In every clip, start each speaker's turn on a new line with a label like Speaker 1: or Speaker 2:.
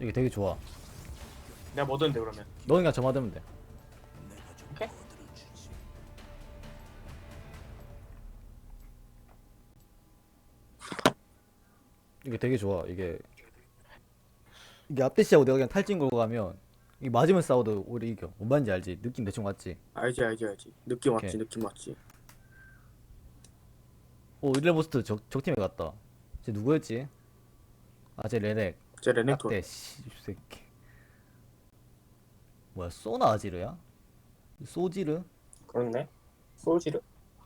Speaker 1: 이게 되게 좋아.
Speaker 2: 내가 뭐 드는데 그러면?
Speaker 1: 너 그냥 저만 되면 돼.
Speaker 2: 오케이?
Speaker 1: 이게 되게 좋아. 이게 앞대시하고 내가 그냥 탈진 걸고 가면 이 맞으면 싸워도 우리 이겨. 뭔 말인지 알지? 느낌 대충 왔지?
Speaker 2: 알지. 느낌
Speaker 1: 오케이.
Speaker 2: 왔지, 느낌 왔지.
Speaker 1: 오, 일레보스트 적팀에 갔다. 쟤 누구였지? 아, 쟤 레넥.
Speaker 2: 제 레넥톤.
Speaker 1: 딱대 씨 새끼. 뭐야, 소나 아지르야? 소지르?
Speaker 2: 그렇네. 소울지르?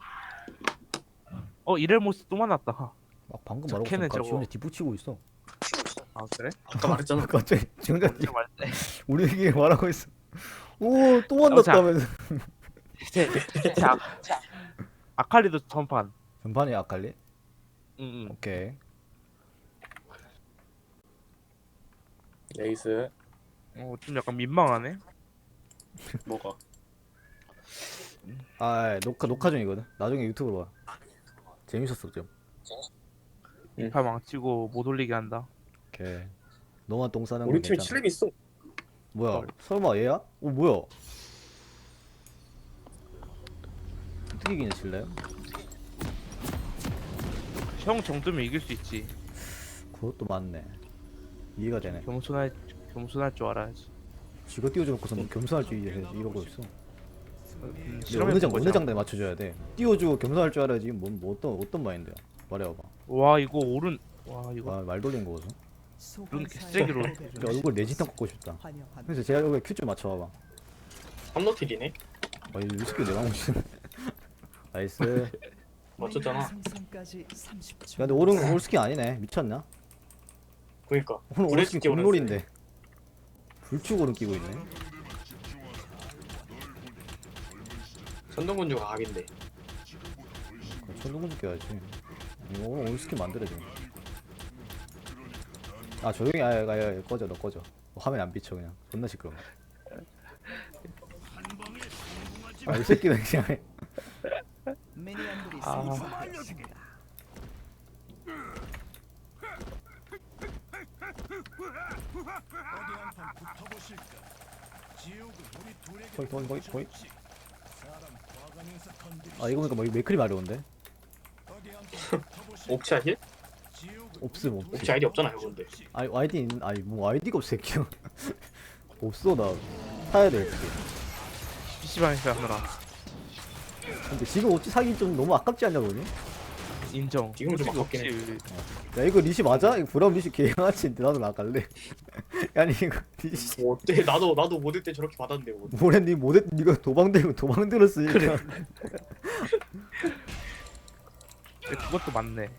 Speaker 3: 이렐모스 또 만났다.
Speaker 1: 막 방금
Speaker 3: 저
Speaker 1: 말하고
Speaker 3: 걔는
Speaker 1: 있으니까 지
Speaker 3: 저거-
Speaker 1: 혼자 뒷붙이고 있어.
Speaker 3: 아 그래?
Speaker 2: 아까 말했잖아.
Speaker 1: 갑자기 지 혼자
Speaker 3: 언제 말때?
Speaker 1: 우리에게 말하고 있어. 오, 또 만났다면서.
Speaker 3: 아칼리도 전판.
Speaker 1: 전판이 아칼리?
Speaker 3: 응응.
Speaker 1: 오케이.
Speaker 2: 레이스.
Speaker 3: 좀 약간 민망하네.
Speaker 2: 뭐가?
Speaker 1: 아, 녹화 중이거든. 나중에 유튜브로 봐. 재밌었어 좀.
Speaker 3: 이파 망치고 못 올리게 한다.
Speaker 1: 오케이. 너만 똥 싸는 건
Speaker 2: 우리 팀에
Speaker 1: 괜찮아.
Speaker 2: 7렙 있어.
Speaker 1: 뭐야? 설마 얘야? 오, 뭐야? 어떻게 이기냐 실래요?
Speaker 3: 형 정도면 이길 수 있지.
Speaker 1: 그것도 맞네. 이해가 되네.
Speaker 3: 겸손할 줄 알아야지.
Speaker 1: 쥐가 띄워줘놓고서 뭐 겸손할 줄 이러고 있어.
Speaker 3: 실험해
Speaker 1: 어느
Speaker 3: 본 거잖아.
Speaker 1: 장단에 맞춰줘야 돼. 띄워주고 겸손할 줄 알아야지. 뭐 어떤 마인드야? 말해봐봐.
Speaker 3: 와 이거 이거
Speaker 1: 와, 말 돌린 거거든.
Speaker 3: 이런 개쓰레기로.
Speaker 1: 얼굴 내진탕 꺾고 싶다. 그래서 제가 여기 큐 좀 맞춰봐봐.
Speaker 2: 삼노틸이네.
Speaker 1: 아, 이 위스키 내가 먹고 싶네. 나이스.
Speaker 2: 맞췄잖아.
Speaker 1: 야, 근데 오른 올스키 아니네. 미쳤나?
Speaker 2: 그니까.
Speaker 1: 오늘
Speaker 2: 불의
Speaker 1: 올스키
Speaker 2: 스키 오른쪽.
Speaker 1: 공놀인데. 불축 오른 끼고 있네.
Speaker 2: 선동군주가 각인데.
Speaker 1: 천둥군 끼워야지. 오늘 올스키 만들어줘. 아, 조용히 아, 꺼져. 너 꺼져. 화면 안 비쳐 그냥. 존나 시끄러워. 아, 이 새끼는 그냥 해.
Speaker 3: 아
Speaker 1: 거의. 아, 이거 보니까 뭐 맥클이 마려운데?
Speaker 2: 옵차 힐?
Speaker 1: 없음.
Speaker 2: 옵차 아이디 없잖아, 근데.
Speaker 1: 아이디 있는, 아니 뭐 아이디가 없어 새끼야. 없어. 나 사야 돼. 어떻게.
Speaker 3: PC방에서 하느라.
Speaker 1: 근데 지금 옷 사기 좀 너무 아깝지 않냐 보니?
Speaker 3: 인정.
Speaker 2: 지금 좀
Speaker 3: 솔직히
Speaker 2: 아깝긴
Speaker 3: 없지.
Speaker 1: 야, 이거 리시 맞아? 이거 브라운 리시 개양아치인데 나도 나갈래. 아니 이거 리시
Speaker 2: 뭐 어때? 나도 모델 때 저렇게 받았는데 뭐.
Speaker 1: 뭐래 니 못했 니가 도망 들었으니까.
Speaker 3: 그래. 그것도 맞네.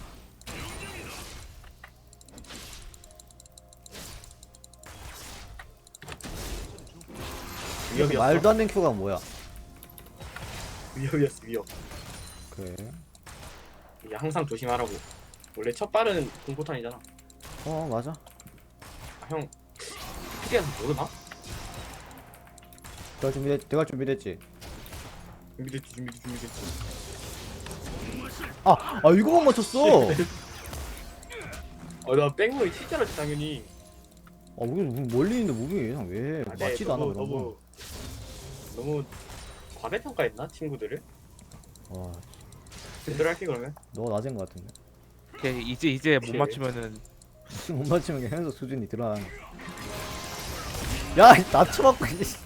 Speaker 2: 위협이었어.
Speaker 1: 말도 안 되는 큐가 뭐야?
Speaker 2: 위협이었어, 위협.
Speaker 1: 그래.
Speaker 2: 이게 항상 조심하라고. 원래 첫 발은 공포탄이잖아.
Speaker 1: 맞아.
Speaker 2: 아, 형. 피디한테 모르나?
Speaker 1: 내가 준비됐지.
Speaker 2: 준비됐지.
Speaker 1: 아 이거만 맞췄어.
Speaker 2: 나 백무이 진짜라지 당연히.
Speaker 1: 우리 멀리 있는데 무빙이 그냥 왜
Speaker 2: 아, 네,
Speaker 1: 맞지도 않아 그런 거.
Speaker 2: 너무 과대평가했나 친구들을?
Speaker 1: 와,
Speaker 2: 제대로 할게 그러면.
Speaker 1: 너가 낮은 거 같은데.
Speaker 3: 오케이, 이제 못
Speaker 2: 오케이.
Speaker 3: 맞추면은
Speaker 1: 지금 못 맞추면 그냥 현석 수준이 드러나는 거. 야, 낮춰갖고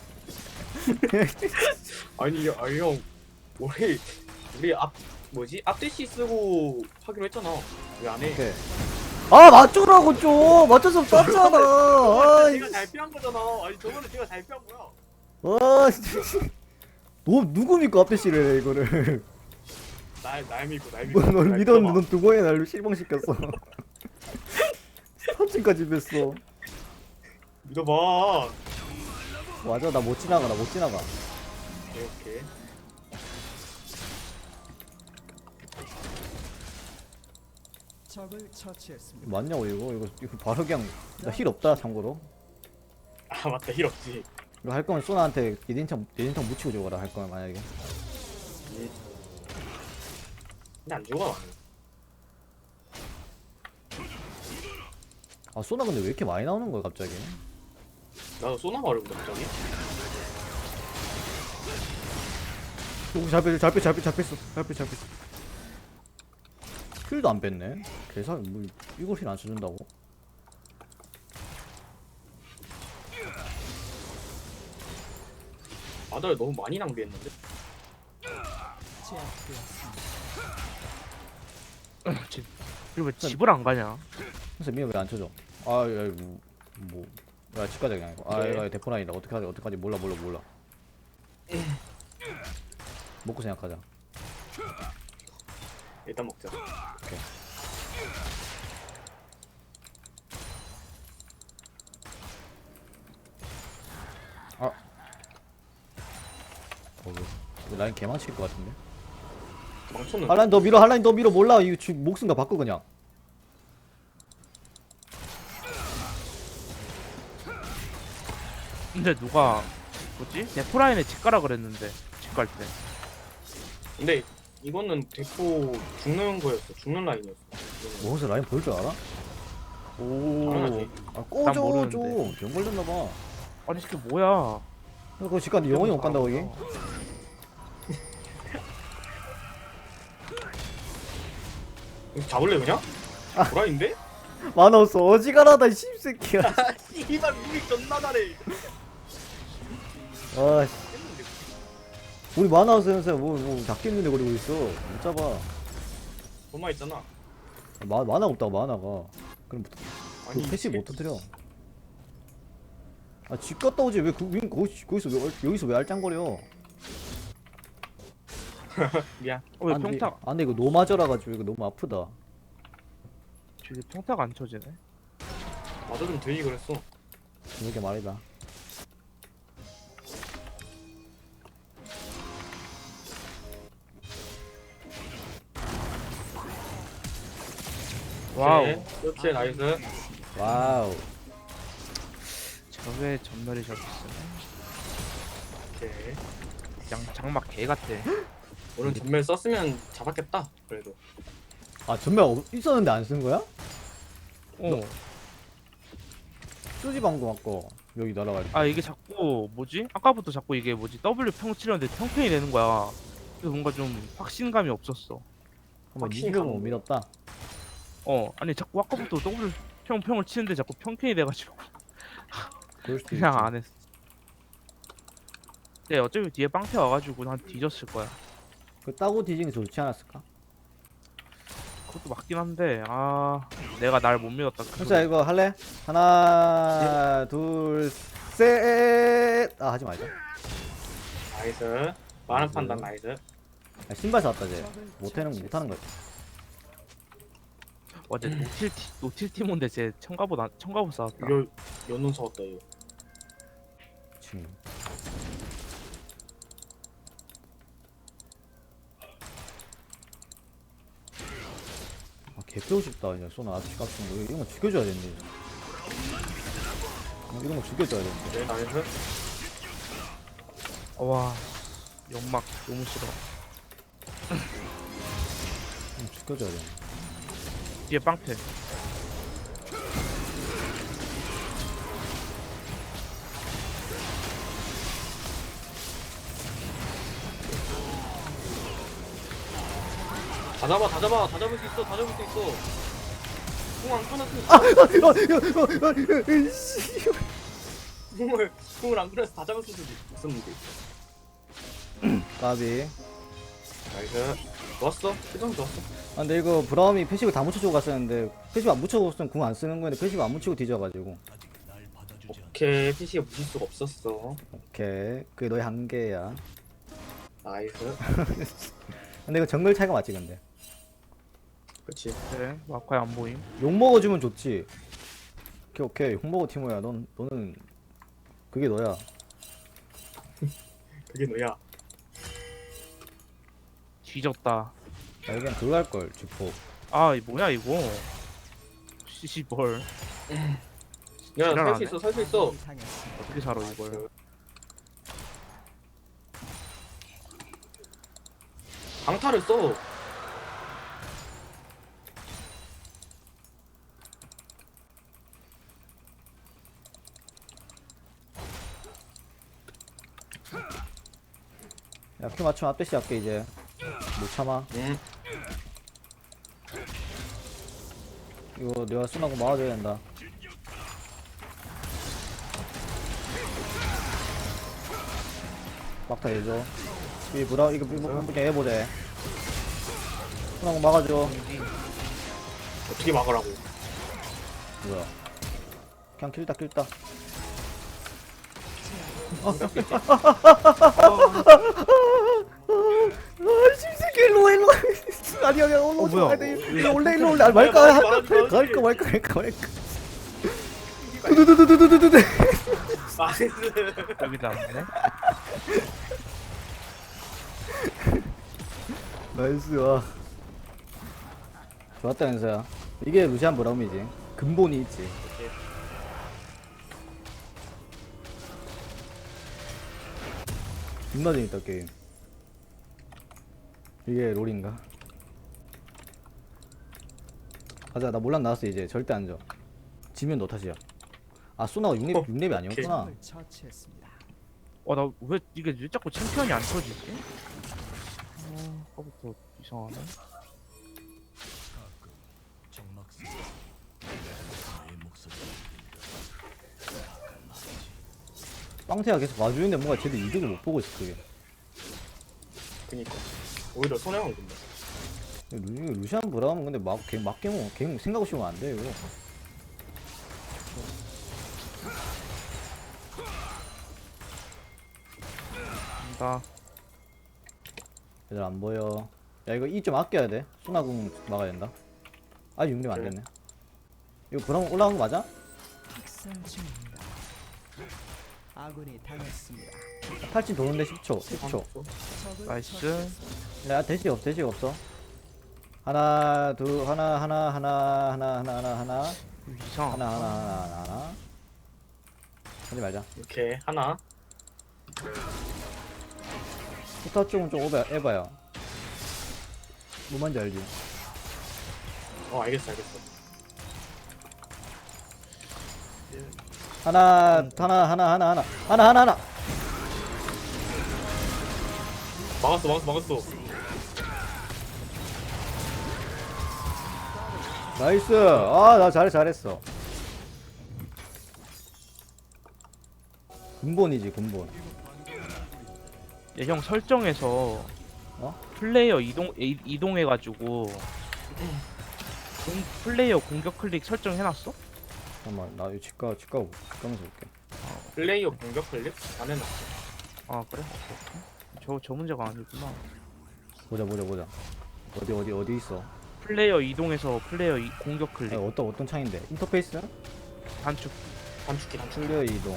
Speaker 2: 아니 형 우리 앞대시 쓰고 하기로 했잖아. 왜 안 해?
Speaker 1: 오케이. 아, 맞추라고 좀. 맞춰서 땄잖아.
Speaker 2: 제가 잘 피한 거잖아. 아니 저번에 제가 잘 피한 거야.
Speaker 1: 진짜. 너 누굽니까 앞에 씨를 이거를.
Speaker 2: 날 믿고.
Speaker 1: 널
Speaker 2: 날
Speaker 1: 믿었는데
Speaker 2: 믿어봐.
Speaker 1: 넌 두 번에 날 실망시켰어. 스타팅까지 뺐어.
Speaker 2: 믿어봐.
Speaker 1: 맞아, 나 못 지나가.
Speaker 2: 오케이.
Speaker 4: 적을 처치했습니다.
Speaker 1: 맞냐고 이거 바로 그냥 나 힐 없다 참고로.
Speaker 2: 아 맞다 힐 없지.
Speaker 1: 이거 할 거면 소나한테 예진탕 묻히고 줘라 할 거면 만약에.
Speaker 2: 근데 안 죽어 나는.
Speaker 1: 아 소나 근데 왜 이렇게 많이 나오는 거야 갑자기?
Speaker 2: 나도 쏘나마를 갑자기.
Speaker 1: 오, 잘 뺐어. 킬도 안 뺐네. 계산 뭐 이것이 안 쳐준다고?
Speaker 2: 아들 너무 많이 낭비했는데.
Speaker 4: 제압되었습니다.
Speaker 3: 그리고 왜 집을 안 가냐?
Speaker 1: 그래서 미야 왜안 쳐줘? 아, 야, 뭐, 야, 집 가자 그냥. 아,
Speaker 2: 그래.
Speaker 1: 이거 대포라인이다. 어떡하지? 몰라. 먹고 생각하자.
Speaker 2: 일단 먹자.
Speaker 1: 오케이. 아, 이거 라인 개망칠 것 같은데?
Speaker 2: 망쳤는데.
Speaker 1: 한라인 더 밀어. 몰라. 이거 목숨과 바꿔 그냥.
Speaker 3: 근데 누가 뭐지? 네프라인에 집 가라 그랬는데 집 갈 때.
Speaker 2: 근데 이거는 대포 죽는 거였어. 죽는 라인이었어.
Speaker 1: 뭐 혹시 라인 볼 줄 알아?
Speaker 2: 당연하지.
Speaker 1: 아, 꺼져
Speaker 3: 모르는데.
Speaker 1: 좀. 병 걸렸나봐.
Speaker 3: 아니 이게 뭐야?
Speaker 1: 그거 집 갔는데 영원히 못 간다고 이게?
Speaker 2: 이거 잡을래 그냥? 보라인데?
Speaker 1: 만화 없어. 어지간하다 이 씹새끼야.
Speaker 2: 이발 무기 존나 잘해.
Speaker 1: 아, 씨. 우리 만화 없어 현수야. 뭐 잡겠는데 거리고 있어. 못 잡아.
Speaker 2: 얼마 있잖아.
Speaker 1: 만화 없다고 만화가. 그럼
Speaker 2: 아니,
Speaker 1: 패시브 못 터뜨려. 아, 집 갔다 오지. 왜 여기서 왜 알짱거려?
Speaker 2: 미안.
Speaker 3: 왜
Speaker 1: 안 돼.
Speaker 3: 평타?
Speaker 1: 아, 근데 이거 너무 맞아라가지고 이거 너무 아프다.
Speaker 3: 저기 평타가 안 쳐지네.
Speaker 2: 나도 좀 들리 그랬어.
Speaker 1: 이렇게 말이다.
Speaker 3: 와우.
Speaker 2: 이렇게 나이스.
Speaker 1: 와우.
Speaker 3: 저게 전멸이 저기 있어.
Speaker 2: 오케이.
Speaker 3: 장막 개 같아.
Speaker 2: 오늘 전멸 썼으면 잡았겠다. 그래도.
Speaker 1: 아, 전멸 있었는데 안 쓴 거야?
Speaker 3: 어.
Speaker 1: 쏘지 방금 아까 여기 날아갈 때.
Speaker 3: 아 이게 자꾸 뭐지? 아까부터 자꾸 이게 뭐지? W 평 치려는데 평평이 되는 거야. 그래서 뭔가 좀 확신감이 없었어.
Speaker 1: 한번
Speaker 2: 확실히
Speaker 1: 이기려고 못
Speaker 2: 가는
Speaker 1: 믿었다.
Speaker 3: 아니 자꾸 아까부터 W 평을 치는데 자꾸 평평이 돼가지고
Speaker 1: 그럴 수도
Speaker 3: 그냥
Speaker 1: 있지.
Speaker 3: 안 했어. 근데 어차피 뒤에 빵태 와가지고 난 뒤졌을 거야.
Speaker 1: 그 따고 뒤지는 게 좋지 않았을까?
Speaker 3: 그것도 맞긴 한데 내가 날 못 믿었다.
Speaker 1: 현수야 이거 할래? 하나, 둘, 셋. 아, 하지 말자.
Speaker 2: 나이스. 많은 판단 나이스.
Speaker 1: 아, 신발 샀다 쟤. 못하는 거야.
Speaker 3: 어제 노틸 티몬데 쟤 청가보 싸웠다.
Speaker 2: 이거 연운 사왔다 이거.
Speaker 1: 지금. 아, 개뼈고 싶다. 그냥 쏘나 아직 같은 거 이런 거 죽여줘야 되는데. 이런 거 죽여줘야 되는데.
Speaker 2: 네 나이스.
Speaker 3: 와 연막 너무 싫어.
Speaker 1: 죽여줘야 되는데.
Speaker 3: 뒤에 빵태.
Speaker 2: 다 잡을 수 있어. 궁안 끊었으면 궁을 안 끊어서 다 잡을 수도 있었는데.
Speaker 1: 까비.
Speaker 2: 나이스. 좋았어. 표정 좋았어.
Speaker 1: 아, 근데 이거 브라움이 패시브 다 묻혀주고 갔었는데 패시브 안 묻혀줬으면 궁 안 쓰는 거였는데 패시브 안 묻히고 뒤져가지고.
Speaker 2: 오케이. PC가 묻힐 수가 없었어.
Speaker 1: 오케이. 그게 너의 한계야.
Speaker 2: 나이스.
Speaker 1: 근데 이거 정글 차이가 맞지 근데.
Speaker 2: 그렇지.
Speaker 3: 그래 마카에 안 보임.
Speaker 1: 욕 먹어주면 좋지. 오케이. 욕 먹어 티모야. 너는 그게 너야.
Speaker 2: 그게 너야.
Speaker 3: 뒤졌다.
Speaker 1: 나 그냥 그거 할 걸. 주포.
Speaker 3: 이 뭐야 이거? 씨발
Speaker 2: 야,
Speaker 3: 지랄하네.
Speaker 2: 살 수 있어.
Speaker 4: 당했습니다.
Speaker 3: 어떻게 살아 이걸?
Speaker 2: 강타를 써.
Speaker 1: 야, 큐 맞추면 앞대시 할게, 이제. 못 참아.
Speaker 2: 응.
Speaker 1: 이거 내가 순하고 막아줘야 된다. 막타 해줘. 이 브라, 이거 그냥 해보자. 순하고 막아줘.
Speaker 2: 어떻게 막으라고?
Speaker 1: 뭐야. 그냥 킬다, 킬다. 아씨, 일로. 아니야,
Speaker 3: 뭐야?
Speaker 1: 일로 올래. 아, 말까? 말까. 두두두두두두두.
Speaker 2: 나이스.
Speaker 3: 여기다 네?
Speaker 1: 나이스, 와. 좋았다, 연서야. 이게 루시안 브라움이지. 근본이 있지. 존나 재밌다, 게임. 이게 롤인가? 가자, 나 몰락 나왔어, 이제. 절대 안 져. 지면 너 탓이야. 아, 소나가 6렙이 아니었구나.
Speaker 4: 적을 처치했습니다.
Speaker 3: 나 왜 이게 왜 자꾸 챔피언이 안 터지지? 아까부터 이상하네.
Speaker 1: 빵태가 계속 와주는데 뭔가 쟤도 이득을 못 보고 있어, 그게.
Speaker 2: 그니까. 오히려 손해만 근데.
Speaker 1: 루시안 브라움은 근데 걔 생각 없이 오면 안 돼, 이거.
Speaker 3: 나
Speaker 1: 얘들 안 보여. 야, 이거 이 좀 아껴야 돼. 소나궁 막아야 된다. 아직 6렙 안 됐네. 이거 브라움 올라간 거 맞아?
Speaker 4: 학살 중입니다. 아군이 당했습니다.
Speaker 1: 탈진 도는데 10초.
Speaker 2: 어?
Speaker 4: 적을
Speaker 3: 나이스.
Speaker 4: 처치했습니다.
Speaker 1: 야, 대시가 없어. 하나, 둘, 하나.
Speaker 3: 이상.
Speaker 1: 하나. 하지 말자.
Speaker 2: 이렇게 하나.
Speaker 1: 포탑 쪽은 좀 에바야. 뭐 뭔지 알지?
Speaker 2: 알겠어.
Speaker 1: 하나.
Speaker 2: 막았어.
Speaker 1: 나이스. 아, 나 잘했어. 근본이지, 근본.
Speaker 3: 형 설정에서 플레이어 이동해가지고 플레이어 공격 클릭 설정해놨어?
Speaker 1: 잠깐만, 나 이거 집 가면서 볼게.
Speaker 2: 플레이어 공격 클릭? 안 해놨어.
Speaker 3: 아 그래? 저 문제가 아니구나.
Speaker 1: 보자. 어디 있어?
Speaker 3: 플레이어 이동해서 공격 클릭
Speaker 1: 아니, 어떤 창인데? 인터페이스?
Speaker 3: 단축.
Speaker 2: 단축키.
Speaker 1: 플레이어 이동.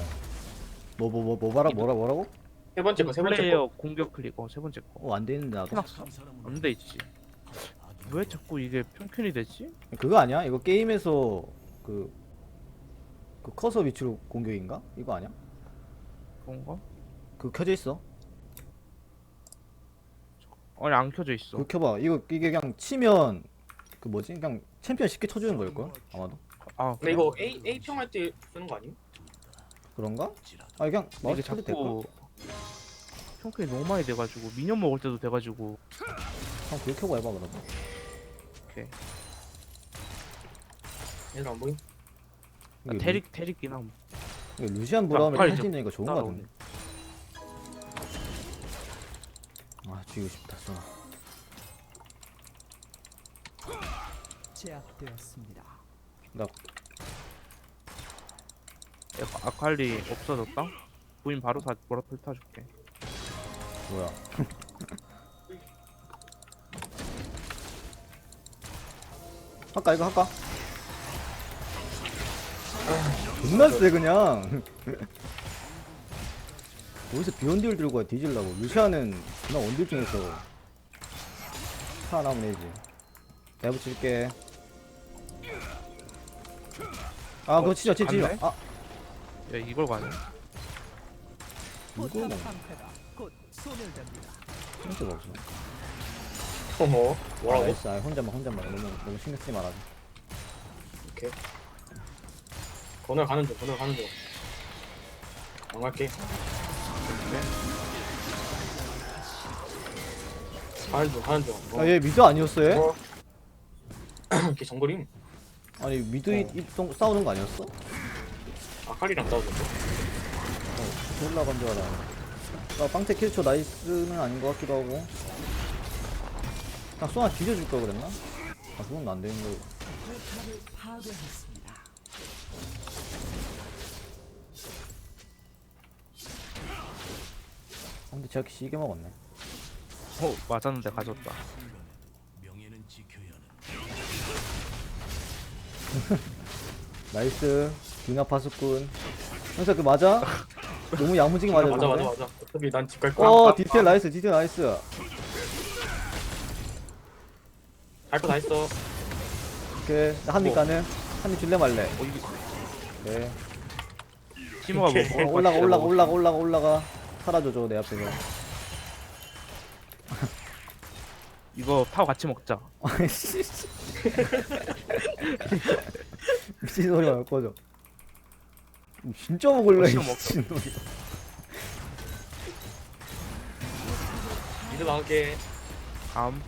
Speaker 1: 뭐라고?
Speaker 2: 세 번째 거.
Speaker 3: 플레이어 공격 클릭 세 번째 거
Speaker 1: 안 되는데, 나도.
Speaker 3: 해놨어? 안 돼 있지. 왜 자꾸 이게 평균이 되지?
Speaker 1: 그거 아니야? 이거 게임에서 그 커서 위치로 공격인가? 이거 아니야?
Speaker 3: 그런가?
Speaker 1: 그거 켜져 있어.
Speaker 3: 아니 안 켜져 있어.
Speaker 1: 그거 켜봐. 이게 그냥 치면 그 뭐지? 그냥 챔피언 쉽게 쳐주는 걸걸? 아마도.
Speaker 3: 아
Speaker 2: 근데
Speaker 3: 그래?
Speaker 2: 이거 A 평 할 때 쓰는 거 아니야?
Speaker 1: 그런가? 아, 그냥 마우스
Speaker 3: 이게
Speaker 1: 쳐도 될걸?
Speaker 3: 자꾸 평균이 너무 많이 돼가지고 미니언 먹을 때도 돼가지고.
Speaker 1: 한번 그거 켜고 해봐, 그러면.
Speaker 3: 오케이.
Speaker 2: 얘들 안 보임?
Speaker 1: 이게
Speaker 3: 테릭이나 뭐.
Speaker 1: 이게 루시안 브라움이
Speaker 3: 빨리
Speaker 1: 할수 있는 거 좋은 거
Speaker 3: 따라오네.
Speaker 1: 같은데. 아, 죽이고 싶다, 쏘나.
Speaker 4: 제압되었습니다.
Speaker 1: 나
Speaker 3: 아칼리 없어졌다? 부인 바로 다 보라풀 타줄게.
Speaker 1: 뭐야? 이거 할까? 존나 세 그냥. 어디서 비원딜 들고 와 뒤질라고. 루시아는 그냥 원딜 중에서 살아남은 애지. 내가 붙일게. 아, 그거 치자.
Speaker 3: 갔네?
Speaker 1: 아,
Speaker 3: 야 이걸 가네.
Speaker 1: 이거
Speaker 4: 포탑
Speaker 1: 뭐
Speaker 4: 방패가 곧 소멸됩니다.
Speaker 1: 힌트가 없어.
Speaker 2: 어머. 뭐라고?
Speaker 1: 나이스. 아, 혼자만 너무 신경 쓰지 말아줘.
Speaker 2: 오케이. 건널 가는 중. 안 갈게. 가는 중.
Speaker 1: 아, 얘 미드 아니었어 얘?
Speaker 2: 걔 정글임.
Speaker 1: 아니 미드 싸우는 거 아니었어?
Speaker 2: 아칼리랑 싸우던데.
Speaker 1: 올라간 줄 알아. 나 빵태 킬초 나이스는 아닌 것 같기도 하고. 그냥 쏘나 뒤져줄 걸 그랬나? 아 그건 안 되는 거.
Speaker 4: 포탑을 파괴했습니다.
Speaker 1: 근데 제가 시게 먹었네.
Speaker 3: 맞았는데 가졌다.
Speaker 1: 나이스. 빙하 파수꾼. 형사 그 맞아? 너무 야무지게 맞아.
Speaker 2: 맞아. 어차피 난 집 갈 거야.
Speaker 1: 디테일 나이스. 디테일 나이스.
Speaker 2: 할거 다 했어.
Speaker 1: 오케이. 한입 가는. 한입 줄래 말래.
Speaker 3: 이게
Speaker 1: 오케이.
Speaker 3: 티모가 뭐
Speaker 1: 올라가. 사라져줘 내 앞에서.
Speaker 3: 이거 타워 같이 먹자.
Speaker 1: 아이씨. 미친 소리 말 꺼져. 진짜 먹을래 이
Speaker 3: 먹자.
Speaker 1: 미친놈이.
Speaker 2: 미드 나올게.
Speaker 3: 다음.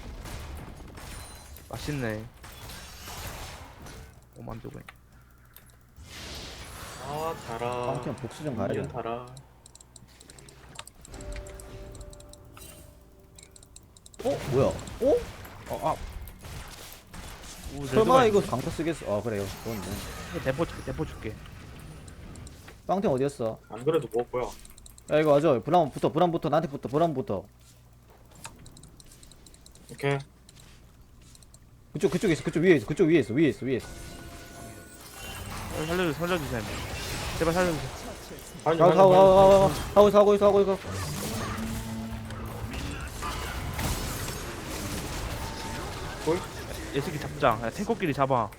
Speaker 3: 맛있네. 만두군.
Speaker 2: 아 달아.
Speaker 1: 빵팀 복수 좀 가야
Speaker 2: 미연
Speaker 1: 돼.
Speaker 2: 달아.
Speaker 1: 뭐야? 설마 이거 강타 쓰겠어? 아 그래요. 그건데.
Speaker 3: 대포 줄게.
Speaker 1: 빵팀 어디였어?
Speaker 2: 안 그래도 먹을 거야.
Speaker 1: 야 이거 맞아. 브라운부터 나한테 붙어. 브라운부터.
Speaker 2: 오케이.
Speaker 1: 그쪽에 있어. 그쪽 위에 있어. 위에 있어.
Speaker 3: 살려주세요. 제발 살려주세요.
Speaker 1: 하고 있어.
Speaker 2: 볼?
Speaker 3: 얘 새끼 잡자. 야, 탱커끼리 잡아.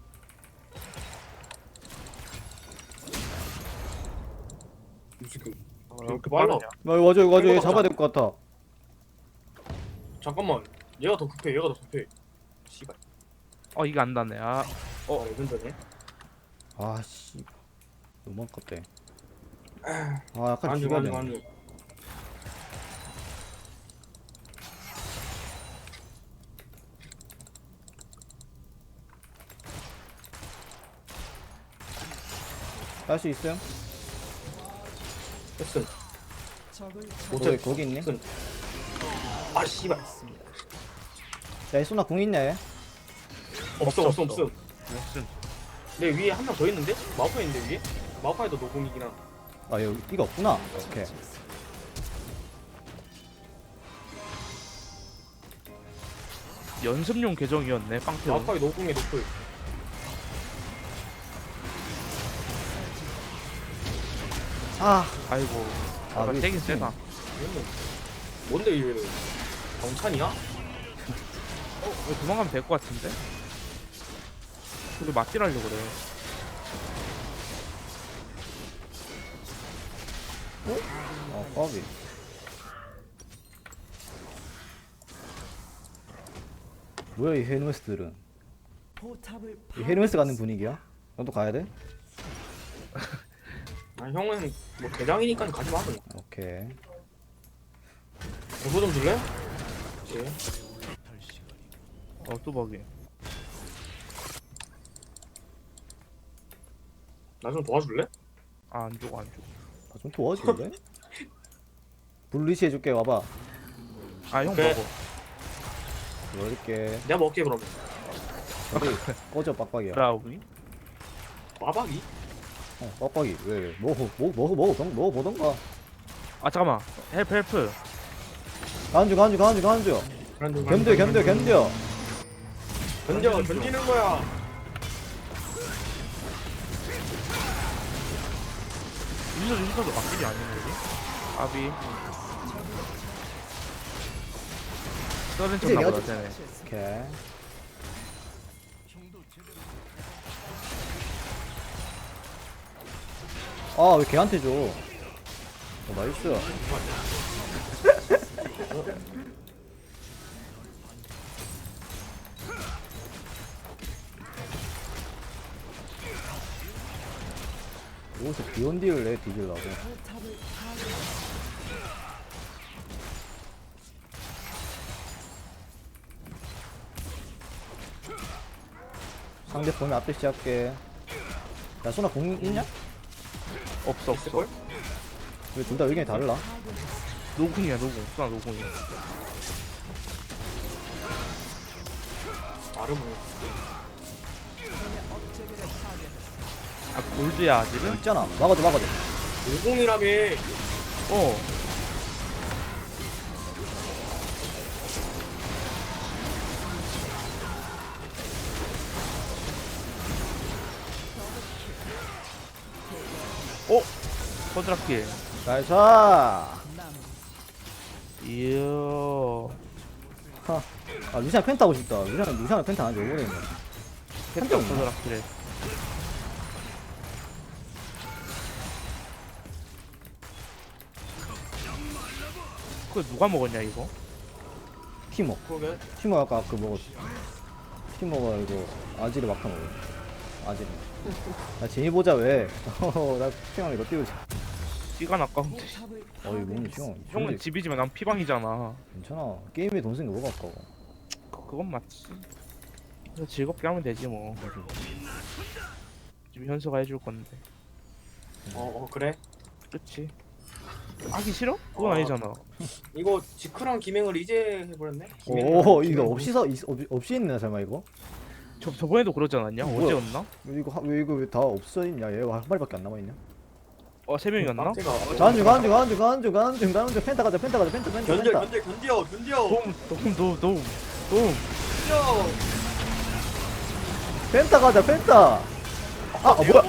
Speaker 2: 지금
Speaker 3: 왜
Speaker 2: 이렇게 빨라?
Speaker 1: 맞아. 얘 잡아야 될 것 같아.
Speaker 2: 잠깐만. 얘가 더 급해. 씨발.
Speaker 3: 이게 안 닿네.
Speaker 2: 레전드네.
Speaker 1: 아씨. 너무 아깝대. 약간
Speaker 2: 안주.
Speaker 1: 죽여야 할수 있어요?
Speaker 2: 했음.
Speaker 4: 적을
Speaker 1: 거기 있니?
Speaker 2: 했음. 아 씨발.
Speaker 4: 처치했습니다.
Speaker 1: 야, 이 소나 궁 있냐 얘?
Speaker 2: 없음.
Speaker 3: 무슨
Speaker 2: 내 위에 한 명 더 있는데? 마우파이 있는데 위에? 마우파이도 노공이긴 한.
Speaker 1: 아, 여기 이가 없구나. 오케이.
Speaker 3: 연습용 계정이었네. 빵태원.
Speaker 2: 마우파이 노공에 노플.
Speaker 3: 아이고.
Speaker 1: 아,
Speaker 3: 세긴 세다.
Speaker 2: 얘는 뭔데 얘는? 경찬이야?
Speaker 3: 이거 도망가면 될 것 같은데? 우리 맞딜하려고 그래.
Speaker 1: 까비. 뭐야 이 헤르메스들은?
Speaker 4: 포탑을
Speaker 1: 이 헤르메스 가는 분위기야? 너도 가야 돼?
Speaker 2: 아 형은 뭐 대장이니까 가지 마 그냥.
Speaker 1: 오케이.
Speaker 2: 대보 좀 줄래? 예.
Speaker 3: 뚜벅이.
Speaker 2: 나 좀 도와줄래?
Speaker 3: 안 주고.
Speaker 1: 좀 도와줄래? 블리시 해줄게. 와봐.
Speaker 3: 형
Speaker 2: 오케이.
Speaker 3: 먹어.
Speaker 1: 넣을게.
Speaker 2: 내가 먹게 그러면.
Speaker 1: 어디 꺼져 빡빡이야.
Speaker 3: 브라우니?
Speaker 2: 마박이?
Speaker 1: 빡빡이. 왜? 먹어보던가.
Speaker 3: 잠깐만. 헬프.
Speaker 1: 간주. 견뎌.
Speaker 2: 견디는 거야.
Speaker 3: 유서도 막길이 아니네 여기. 아비. 썰은
Speaker 1: 이제
Speaker 3: 쳤나
Speaker 1: 내가
Speaker 3: 보다 쟤네.
Speaker 1: 오케이. 왜 걔한테 줘? 나이스. 여기서 비온디를 내 뒤질라고.
Speaker 4: 포탑을 파괴했습니다.
Speaker 1: 상대 보면 앞에 시작해. 야 소나 공 있냐?
Speaker 3: 없어
Speaker 2: 있을걸?
Speaker 3: 없어.
Speaker 1: 왜 둘 다 의견이 다르나?
Speaker 3: 노궁이야 노궁. 수나 노궁이야.
Speaker 2: 나름은
Speaker 3: 아 골드야 아직은?
Speaker 1: 있잖아. 막아줘 막아줘.
Speaker 2: 50이라며.
Speaker 3: 어. 어? 커드라킬.
Speaker 1: 나이스. 하.
Speaker 3: 이야.
Speaker 1: 아 루시안 펜타 하고 싶다. 루시안 펜타 안한지 오래됐네.
Speaker 3: 펜타
Speaker 1: 없나?
Speaker 3: 커드라킬에. 그거 누가 먹었냐 이거?
Speaker 1: 티모.
Speaker 2: 그러게.
Speaker 1: 티모 아까 그 먹었어. 티모가 이거 아지를 막타 먹어. 아지를. 나 제니 보자 왜? 나 피망 이거 띄우자.
Speaker 3: 시간 아까운데.
Speaker 4: 포탑을
Speaker 1: 어이 뭔
Speaker 4: 파괴했습니다.
Speaker 1: 시간.
Speaker 3: 형은 집이지만 난 피방이잖아.
Speaker 1: 괜찮아. 게임에 돈 쓰는 게 뭐가 아까워.
Speaker 3: 그건 맞지. 그래서 즐겁게 하면 되지 뭐. 지금 현수가 해줄 건데.
Speaker 2: 그래.
Speaker 3: 그치? 하기 싫어? 그건 아니잖아.
Speaker 2: 이거 지크랑 기맹을 이제 해버렸네.
Speaker 1: 오 이거 없이 있나 설마 이거?
Speaker 3: 저번에도 그러지 않았냐?
Speaker 1: 뭐야?
Speaker 3: 어제였나?
Speaker 1: 왜 이거 왜 다 없어 있냐? 얘 한 마리밖에 안 남아 있냐?
Speaker 3: 세 명이었나?
Speaker 1: 간중 펜타 가자 펜타
Speaker 2: 견뎌.
Speaker 3: 도움.
Speaker 2: 견뎌.
Speaker 1: 펜타 가자 펜타. 아 뭐야?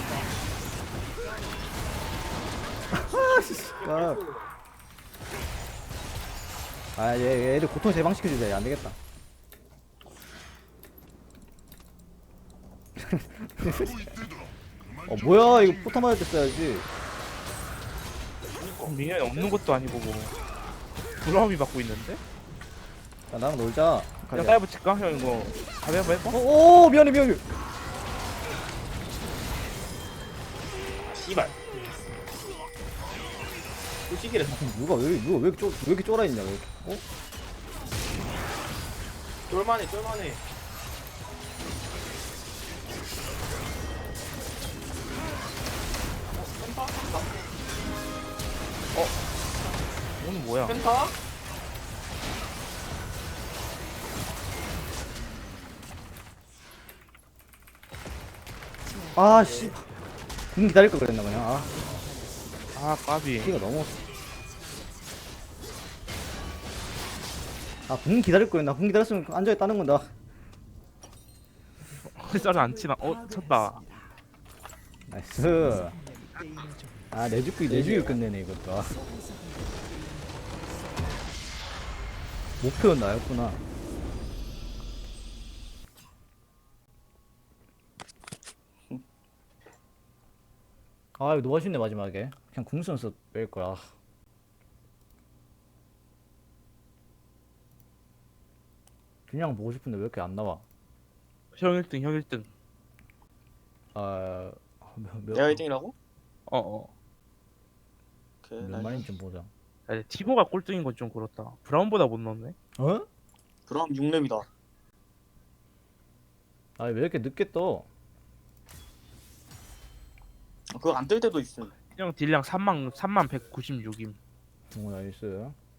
Speaker 1: 아얘 애들 고통 재방시켜주자. 얘 안 되겠다. 뭐야 이거 포탑 맞을 때 써야지.
Speaker 3: 미니언이 없는 것도 아니고 뭐. 브라움이 받고 있는데?
Speaker 1: 야 나랑 놀자.
Speaker 3: 그냥 따위 붙일까? 형 이거 가위 한번 해봐?
Speaker 1: 오 미안해.
Speaker 2: 씨발. 또 시기를
Speaker 1: 누가 왜 이렇게 쫄아 있냐 왜 이렇게?
Speaker 2: 쫄만해.
Speaker 3: 오늘 뭐야?
Speaker 2: 펜타?
Speaker 1: 아씨. 군 기다릴 걸 그랬나 그냥.
Speaker 3: 아 까비.
Speaker 1: 피가 너무. 군 기다릴 거였나? 군 기다렸으면 앉아 있다는 건다.
Speaker 3: 쌀을 안 치나? 쳤다.
Speaker 1: 나이스. 내주기 끝내네 이것도. 목표는 나였구나. 이거 너무 아쉽네 마지막에. 그냥 궁선수 뺄 거야. 그냥 보고 싶은데 왜 이렇게 안 나와?
Speaker 3: 형 1등 형 1등.
Speaker 2: 내가 1등이라고? 오케이.
Speaker 1: 몇 마리인지 좀 보자.
Speaker 3: 야, 티모가 꼴등인 건 좀 그렇다. 브라운보다 못 넣었네.
Speaker 1: 어?
Speaker 2: 그럼 6렙이다.
Speaker 1: 왜 이렇게 늦게 떠?
Speaker 2: 그거 안 뜰 때도 있음.
Speaker 3: 형 딜량 3만 196임.
Speaker 1: 나이스.